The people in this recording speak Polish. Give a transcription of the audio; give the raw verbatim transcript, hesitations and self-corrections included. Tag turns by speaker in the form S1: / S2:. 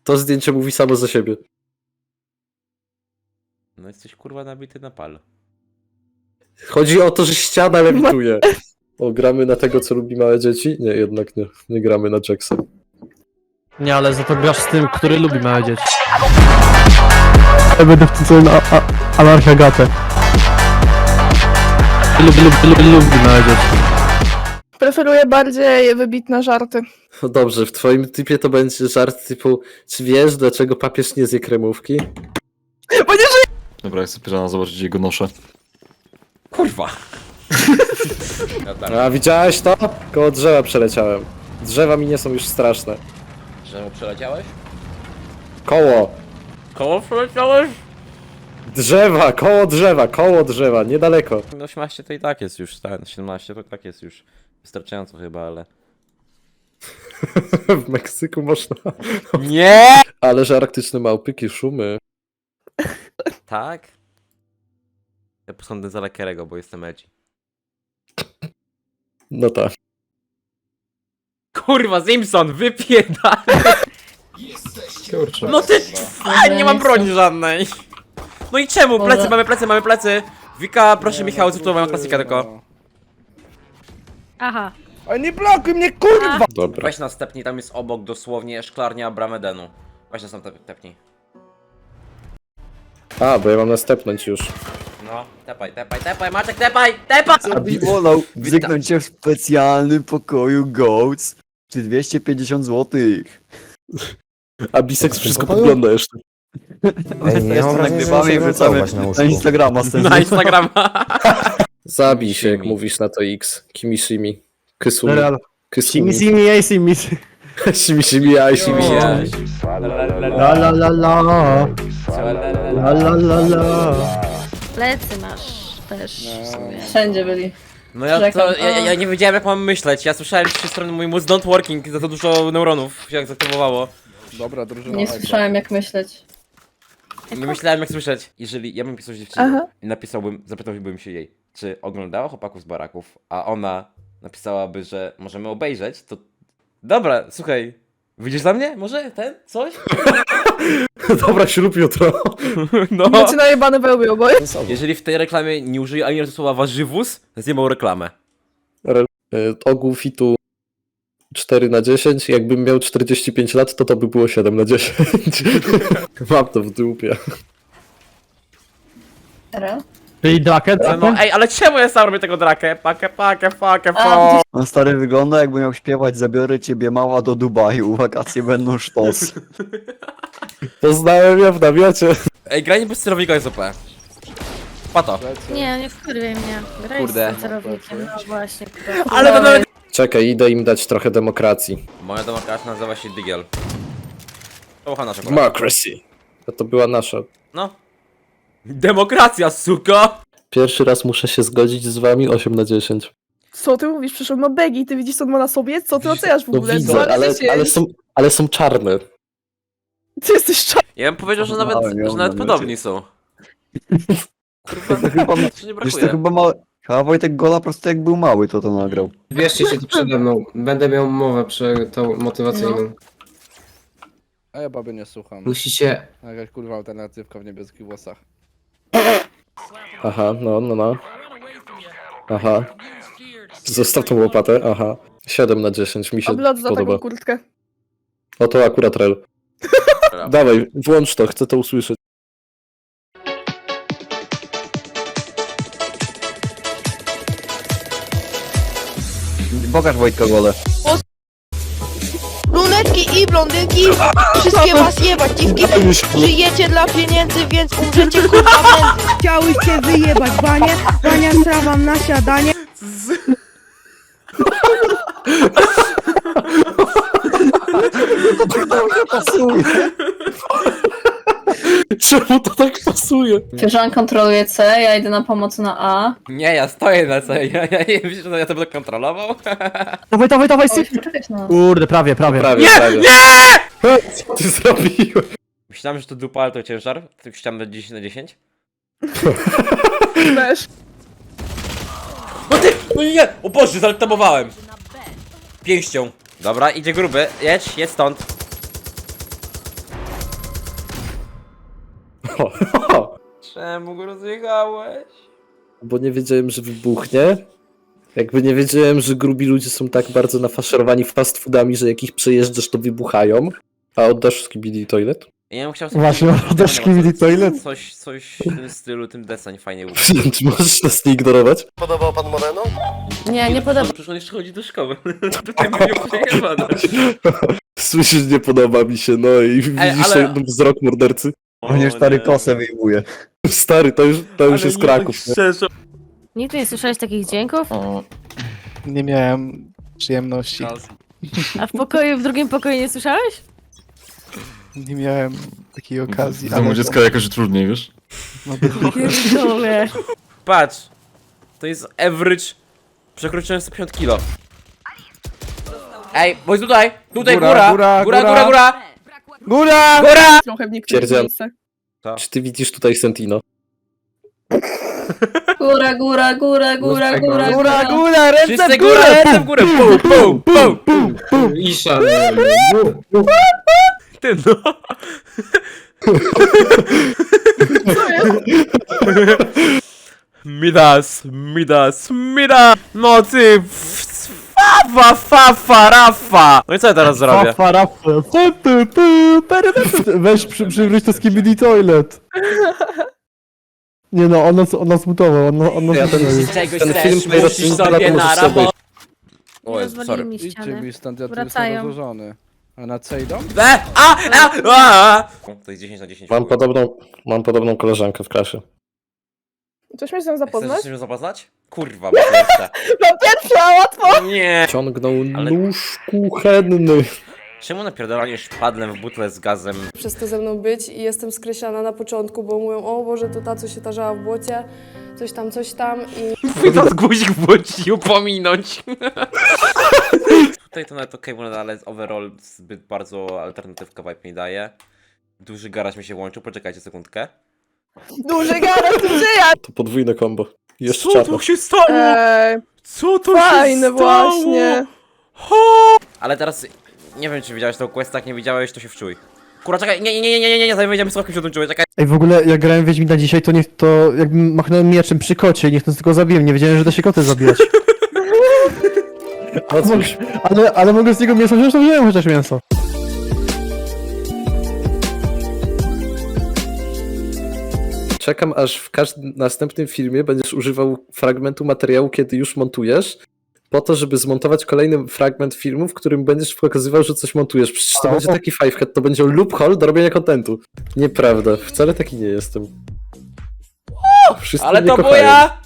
S1: To zdjęcie mówi samo za siebie.
S2: No jesteś kurwa nabity na pal.
S1: Chodzi o to, że ściana lewituje. O, gramy na tego, co lubi małe dzieci? Nie, jednak nie. Nie gramy na Jacksa.
S3: Nie, ale za to grasz z tym, który lubi małe dzieci. Ja będę wtedy na anarchiagatę. Lubi, lubi, lubi, lubi małe dzieci.
S4: Preferuję bardziej wybitne żarty.
S1: No dobrze, w twoim typie to będzie żart typu: czy wiesz, dlaczego papież nie zje kremówki?
S4: Bo nie żyję!
S5: Dobra, ja chcę pirana zobaczyć jego noszę.
S2: Kurwa! Ja tak,
S1: A widziałeś to? Koło drzewa przeleciałem. Drzewa mi nie są już straszne.
S2: że przeleciałeś?
S1: Koło!
S2: Koło przeleciałeś?
S1: Drzewa! Koło drzewa! Koło drzewa! Niedaleko.
S2: osiemnaście to i tak jest już, tak, siedemnaście to i tak jest już wystarczająco chyba, ale...
S1: W Meksyku można.
S2: Nie!
S1: Ale że arktyczne małpyki, szumy.
S2: Tak? Ja posądzę za Lekerego, bo jestem edgy.
S1: No tak.
S2: Kurwa, Simpson, wypierdaj!
S5: Kurczę.
S2: No ty... A, nie mam broni żadnej! No i czemu? Plecy, mamy plecy, mamy plecy! Wika, proszę Michał, zrób to moją klasykę tylko.
S6: Aha.
S4: A nie blokuj mnie, kurwa!
S1: Dobra.
S2: Weź nas tepnij, tam jest obok dosłownie szklarnia Bramedenu. Weź nas tam tep- tepnij.
S1: A, bo ja mam następnąć już.
S2: No, tepaj, tepaj, tepaj, Maciek, tepaj, tepaj!
S7: Co byś wolał wzyknąć się w specjalnym pokoju Goats? Czy dwieście pięćdziesiąt złotych?
S1: A Bisex wszystko podgląda jeszcze.
S8: Ej, nie
S7: Jeszcze
S8: mam wrażenia, że
S7: nagrywamy i
S8: muszę
S7: wrzucamy
S8: gotować na łóżku.
S7: na Instagrama z tym.
S2: Na Instagrama.
S1: Zabij się, jak
S2: Shimi.
S1: mówisz na to X. Kimishimi. Kysumi.
S3: Real.
S1: Kysumi.
S3: Simi, simi, ej, simi.
S1: Shimi, shimi, aj, shimi.
S2: Jeś.
S3: La la la la. La la la la.
S6: Plecy masz też w sumie.
S9: Wszędzie byli.
S2: No ja to, ja, ja- ja nie wiedziałem jak mam myśleć, ja słyszałem z trzy strony mój mózg not working, za to dużo neuronów się zaktywowało.
S4: Dobra, drużyna.
S9: Nie słyszałem jak myśleć.
S2: Nie myślałem jak słyszeć. Jeżeli ja bym pisał dziewczynie
S4: Aha.
S2: i napisałbym, zapytałbym się jej, czy oglądała Chłopaków z Baraków, a ona napisałaby, że możemy obejrzeć, to... Dobra, słuchaj, wyjdziesz za mnie? Może? Ten? Coś?
S1: Dobra, ślub jutro.
S2: No.
S4: Macie najebane wełbie oboje.
S2: Jeżeli w tej reklamie nie użyję ani razu słowa warzywus, zjebał reklamę.
S1: Re- y, Ogół fitu cztery na dziesięć. Jakbym miał czterdzieści pięć lat, to to by było siedem na dziesięć. Mam to w dupie.
S9: Teraz?
S3: Czyli draket?
S2: No ej, ale czemu ja sam robię tego drakę? Pakę, pakę, pakę,
S9: A,
S2: po.
S7: On stary wygląda, jakby miał śpiewać Zabiorę ciebie mała do Dubaju, wakacje będą sztos.
S1: Poznałem ja w namiocie.
S2: Ej, granie bez sterownika jest O P. Pato.
S6: Nie, nie wkurwiaj mnie. Graj
S2: Kurde.
S6: z celownikiem, no właśnie.
S2: Ale to nawet...
S1: Czekaj, idę im dać trochę demokracji.
S2: Moja demokracja nazywa się Digiel. To ucha nasza kolej.
S1: Democracy. A to była nasza.
S2: No. Demokracja, suko!
S1: Pierwszy raz muszę się zgodzić z wami osiem na dziesięć.
S4: Co ty mówisz? Przecież on ma begi, ty widzisz co on ma na sobie? Co ty oceniasz w
S1: No
S4: ogóle?
S1: widzę,
S4: Co?
S1: ale,
S4: dziesięć.
S1: ale, są, ale są czarne.
S4: Ty jesteś czarny.
S2: Ja bym powiedział, że nawet,
S7: Małem ją
S2: że nawet
S7: na
S2: podobni są. Kurwa,
S7: Chyba,
S2: nic nie
S7: wiesz, to
S2: brakuje.
S7: chyba ma... Chyba Wojtek Gola po prostu jak był mały, to to nagrał.
S8: Wierzcie się tu przede mną. Będę miał mowę przy tą motywacyjną.
S4: A ja baby nie słucham.
S8: Musicie...
S4: Jakaś kurwa alternatywka w niebieskich włosach.
S1: Aha, no, no, no. Aha. Zostaw tą łopatę, aha. siedem na dziesięć mi się
S4: Oblot za
S1: podoba.
S4: taką kurtkę.
S1: O, to akurat rel. Dawaj, włącz to, chcę to usłyszeć.
S7: Pokaż Wojtka Golę.
S10: Brunetki i blondynki, wszystkie was jebać, dziwki. Żyjecie dla pieniędzy, więc umrzecie kurwa prędzej.
S9: Chciały cię wyjebać, banie, bania strawam na siadanie.
S1: Czemu to tak pasuje?
S9: Fiorzan kontroluje C, ja idę na pomoc na A.
S2: Nie, ja stoję na co, ja, ja nie wiem, że ja to będę kontrolował.
S3: Dawaj, dawaj, dawaj,
S9: Oj,
S3: syf.
S9: poczekaj na nas.
S3: Kurde, prawie, prawie.
S1: Prawie,
S2: Nie,
S1: prawie. Co ty zrobiłeś?
S2: Myślałem, że to dupa, ale to ciężar. Tylko chciałem dać dziesięć na dziesięć.
S4: Też.
S2: No ty! No nie! O Boże, zaltamowałem! Pięścią. Dobra, idzie gruby. Jedź, jedź stąd. Czemu go rozjechałeś?
S1: Bo nie wiedziałem, że wybuchnie. Jakby nie wiedziałem, że grubi ludzie są tak bardzo nafaszerowani fast foodami, że jak ich przejeżdżasz, to wybuchają. A oddasz skibidi toilet?
S2: Ja bym chciał sobie...
S3: Właśnie,
S2: powiedzieć,
S3: oddasz
S2: że
S3: Skibidi
S2: coś-
S3: Toilet?
S2: Coś, coś w tym stylu, tym deseń fajnie ubrał.
S1: Czy możesz nas nie ignorować?
S6: Nie, nie podoba.
S2: Przecież on jeszcze chodzi do szkoły. Tutaj mi ją przejebane.
S1: Słyszysz, nie podoba mi się, no i widzisz
S2: ale-
S1: ten wzrok mordercy?
S7: On już stary kosę wyjmuje.
S1: Stary, to już, to już jest Kraków. Nie?
S2: Szczerze.
S6: Nigdy nie słyszałeś takich dźwięków?
S3: Nie miałem przyjemności.
S6: A w pokoju, w drugim pokoju nie słyszałeś?
S3: Nie miałem takiej okazji.
S5: W domu dziecka jakoś trudniej, wiesz?
S6: Pierdolę.
S2: Patrz. To jest average. Przekroczyłem sto pięćdziesiąt kilo. Ej, bo jest tutaj! Tutaj góra! Góra, góra, góra! Góra!
S3: Góra!
S2: Góra!
S4: Trochę w niektórych
S1: Pierdziel.
S4: miejscach.
S1: Czy ty widzisz tutaj Sentino?
S6: Góra, góra, góra, góra, góra,
S3: Góra, góra, ręce
S2: Wszyscy
S3: w
S2: górę!
S3: górę!
S2: Ręce w górę! Pum, pum, pum!
S8: Isza.
S2: Ty no! Midas, Midas, Midas! No ty! Fafa, fafa, rafa! No i co ja teraz zrobię?
S3: Fafa, rafę. Pu, pu, pu, pery, pery. Weź przy, przywróć to Skibidi Toilet. Nie no, on nas, on nas mutował, on, on nas
S1: Ja ten-
S3: mutował.
S2: Czegoś
S1: Ten
S2: chcesz,
S1: film
S2: musisz
S1: najlepszy
S2: sobie
S1: możesz
S2: na
S1: sobie.
S2: rabo...
S6: Nie
S2: Oj,
S6: rozwalili
S2: sorry.
S6: mi ściany.
S3: stąd, ja
S6: tu Wracają. jestem
S3: rozłożony. A na co idą?
S2: E, a, a, a, a. To jest dziesięć na dziesięć.
S1: Mam podobną, mam podobną koleżankę w klasie.
S4: Coś mnie z nią
S2: Chcesz
S4: zapoznać?
S2: się zapoznać? Kurwa, bo pierwsza.
S4: No pierwsza, łatwo!
S2: Nie!
S1: Ciągnął
S2: Ale-
S1: nóż kuchenny.
S2: Czemu napierdalanie szpadlem w butle z gazem?
S10: Przez to ze mną być i jestem skreślana na początku, bo mówią, o Boże, to ta, co się tarzała w błocie, coś tam, coś tam i...
S2: Pójdę guzik w błądź pominąć. Tutaj to nawet okej, okay, ale overall zbyt bardzo alternatywka vibe mi daje. Duży garaż mi się łączył, poczekajcie sekundkę.
S4: Duży garaż, tu żyje!
S1: To podwójne kombo. Jeszcze
S2: Co
S1: czarno.
S2: tu się stało?
S4: Eee,
S2: Co to
S4: fajne
S2: się stało?
S4: właśnie.
S2: Ho! Ale teraz nie wiem, czy widziałeś tą quest, jak nie widziałeś, to się wczuj. Kurwa, czekaj, nie, nie, nie, nie, nie, nie, nie, zanim wejdziemy słowkiem się o tym czuję, czekaj.
S3: Ej, w ogóle jak grałem w Wiedźmina dzisiaj, to niech to jakbym machnąłem mieczem przy kocie i niech to tylko zabiłem. Nie wiedziałem, że da się koty zabijać.
S1: No cóż,
S3: Ale, ale mogę z niego mięso wziąć, to wziąłem chociaż mięso.
S1: czekam aż w każdym następnym filmie będziesz używał fragmentu materiału, kiedy już montujesz, po to, żeby zmontować kolejny fragment filmu, w którym będziesz pokazywał, że coś montujesz. Przecież to
S3: A,
S1: będzie
S3: o-
S1: taki fivehead, to będzie loophole do robienia kontentu. Nieprawda, wcale taki nie jestem. Wszyscy
S2: Ale
S1: mnie
S2: to
S1: kochają.
S2: moja